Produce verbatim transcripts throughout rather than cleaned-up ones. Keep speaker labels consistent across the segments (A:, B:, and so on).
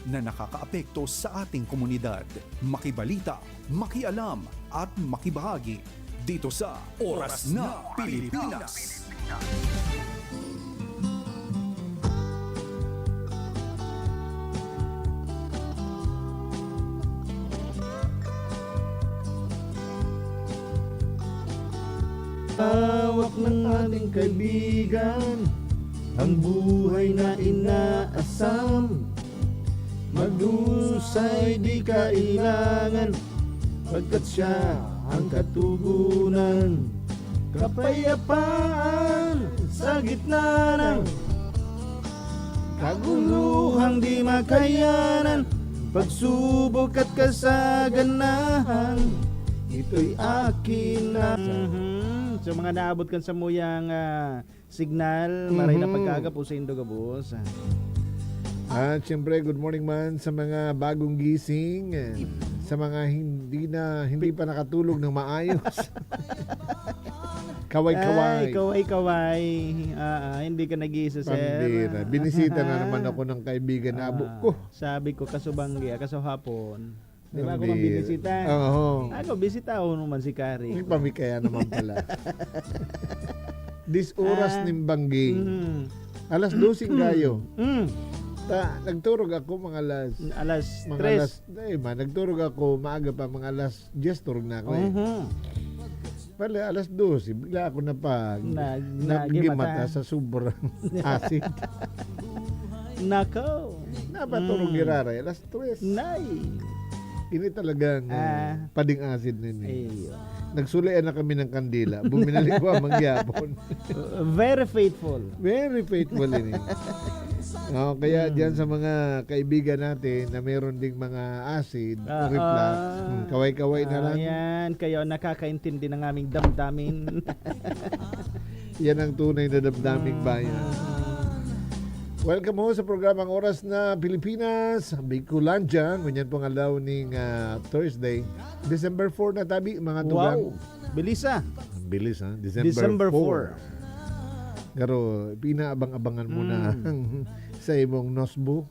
A: na nakakaapekto sa ating komunidad. Makibalita, makialam at makibahagi dito sa Oras na Pilipinas.
B: Hawak ng ating kaibigan, ang buhay na inaasam. Magdusay di kailangan, pagkat siya ang katugunan. Kapayapaan sa gitna ng kaguluhang di makayanan. Pagsubok at kasaganahan, ito'y akin na. Mm-hmm. So mga naabot kan sa muyang uh, signal, maray na pagkagap o sa Indogabos.
C: At syempre, good morning man sa mga bagong gising, sa mga hindi na hindi pa nakatulog ng maayos. Kaway-kaway.
B: Ay, kaway-kaway. Ah, ah, hindi ka nag-iisa, sir.
C: Pambira. Binisita na naman ako ng kaibigan na abo ko.
B: Sabi ko, kasubanggi, kaso hapon. Di ba ako
C: Pambira.
B: mambibisita?
C: Oo.
B: Ako, bisita ako naman si Kari.
C: May pamikaya naman pala. This oras
B: Ah.
C: ng bangging.
B: Mm.
C: Alas dosing gayo.
B: Mm.
C: Ta, nagturog ako mga alas
B: Alas
C: mga
B: tres.
C: alas, eh, ma, nagturog ako maaga pa mga alas diyes turog na ako eh.
B: Mhm.
C: Pala alas dos, bigla ako na pa
B: Nag-
C: nagimata
B: nagimata.
C: sa sobrang acid.
B: Nako.
C: Napaturog
B: Mm.
C: girara, alas tres.
B: Nay.
C: Ini talagang
B: Ah.
C: uh, pading acid nun eh.
B: Ayun.
C: Nagsulian na kami ng kandila. Buminalik ko ang mangyapon.
B: Very faithful.
C: Very faithful ini. Oh, kaya
B: Mm.
C: diyan sa mga kaibigan natin na meron ding mga acid,
B: Ah,
C: reflux,
B: ah.
C: mm, kaway-kaway na lang.
B: Ayan, kayo nakakaintindi ng aming damdamin.
C: Yan ang tunay na damdaming bayan. Welcome ho sa programang Oras na Pilipinas, Bicolandia. Ganyan pong alaw ning uh, Thursday, December four na tabi, mga tugang.
B: Wow. Bilis ah.
C: Ang bilis ha, December,
B: December
C: four.
B: four.
C: Pero pinaabang-abangan mo na sa imong nosbo.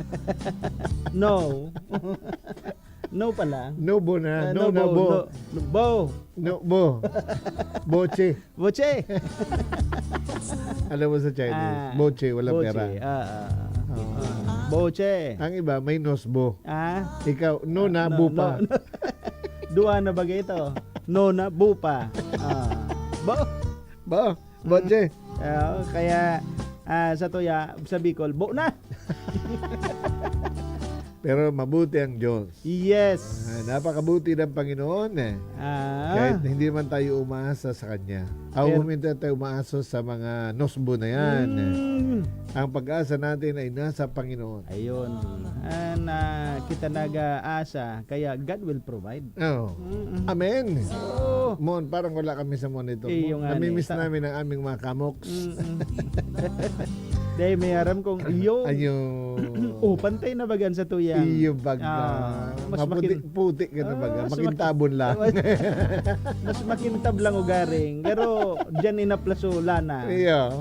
B: No. No pala.
C: Nobo na,
B: Uh,
C: no, na
B: bo,
C: bo.
B: no, no, bo.
C: No, bo. Boche.
B: Boche.
C: Alam mo sa Chinese,
B: Ah,
C: boche, walang
B: Boche.
C: pera.
B: Ah, ah, ah. Boche.
C: Ang iba, may nosbo.
B: Ah?
C: Ikaw, no na,
B: No,
C: bupa.
B: no, no. Dua na bagay ito. No na bupa. Ah. Bo.
C: Bo, boche.
B: Ah, kaya ah, sa Toya, sa Bicol, bo na.
C: Pero mabuti ang Diyos.
B: Yes.
C: Ah, napakabuti ng Panginoon eh.
B: Ah.
C: Kahit hindi man tayo umaasa sa Kanya. Ako
B: Pero-
C: huminta tayo umaasa sa mga nosbo na yan.
B: Mm.
C: Ang pag-asa natin ay nasa Panginoon.
B: Ayun. Ah, na kita nag-aasa, kaya God will provide.
C: Oh.
B: Mm-mm.
C: Amen.
B: Oh.
C: Mon, parang wala kami sa monitor.
B: Eh,
C: Mon.
B: yung nga
C: Namimiss
B: ni-
C: namin ang aming mga kamoks.
B: Mm-mm. Dahil may aram kong iyo.
C: Ayo.
B: Oh, pantay na bagan sa tuyang.
C: Iyo baga.
B: Ah, mas
C: Maputi,
B: makin-
C: puti ka na baga.
B: Ah, mas
C: Makintabon lang.
B: Mas makintab lang ugaring. Pero dyan inaplaso lana.
C: Iyo.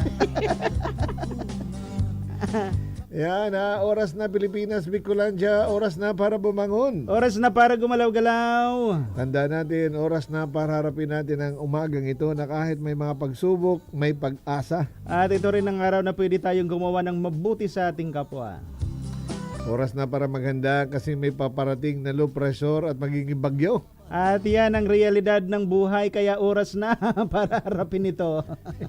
B: Ah.
C: Yan ha, oras na Pilipinas, Bicolandia, oras na para bumangon.
B: Oras na para gumalaw-galaw.
C: Tanda natin, oras na para harapin natin ang umagang ito na kahit may mga pagsubok, may pag-asa.
B: At ito rin ang araw na pwede tayong gumawa ng mabuti sa ating kapwa.
C: Oras na para maghanda kasi may paparating na low pressure at magiging bagyo.
B: At yan ang realidad ng buhay, kaya oras na para harapin ito.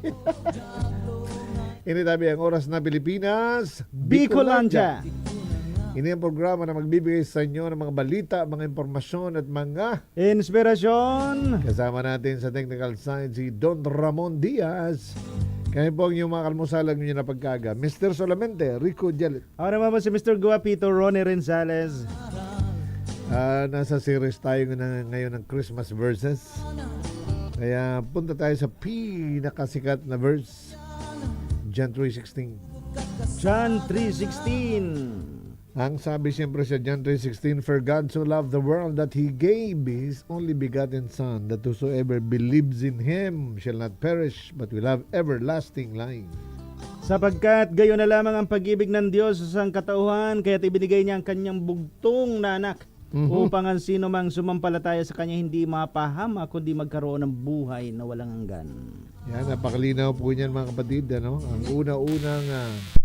C: Ini tabi ang oras na Pilipinas,
B: Bicolandia.
C: Ini ang programa na magbibigay sa inyo ng mga balita, mga impormasyon at mga
B: Inspirasyon.
C: kasama natin sa technical side si Don Ramon Diaz. Kaya po ang inyong mga kalmusalang nyo na pagkaga. Mister Solamente, Rico Jalet.
B: Ako naman po si Mister Guapito Ronnie Renzales.
C: Ah, nasa series tayo na ngayon ng Christmas verses. Kaya punta tayo sa pinakasikat na verse, John three sixteen.
B: John three sixteen.
C: Ang sabi siyempre sa John three sixteen, "For God so loved the world that He gave His only begotten Son, that whosoever believes in Him shall not perish, but will have everlasting life."
B: Sapagkat gayon na lamang ang pag-ibig ng Diyos sa sangkatauhan, kaya't ibinigay niya ang kanyang bugtong na anak
C: Mhm.
B: upang ang sino mang sumampalataya sa kanya hindi mapahama kundi magkaroon ng buhay na walang hanggan.
C: Yan, napakalinaw po niyan mga kapatid. Ano? Ang una-unang ah,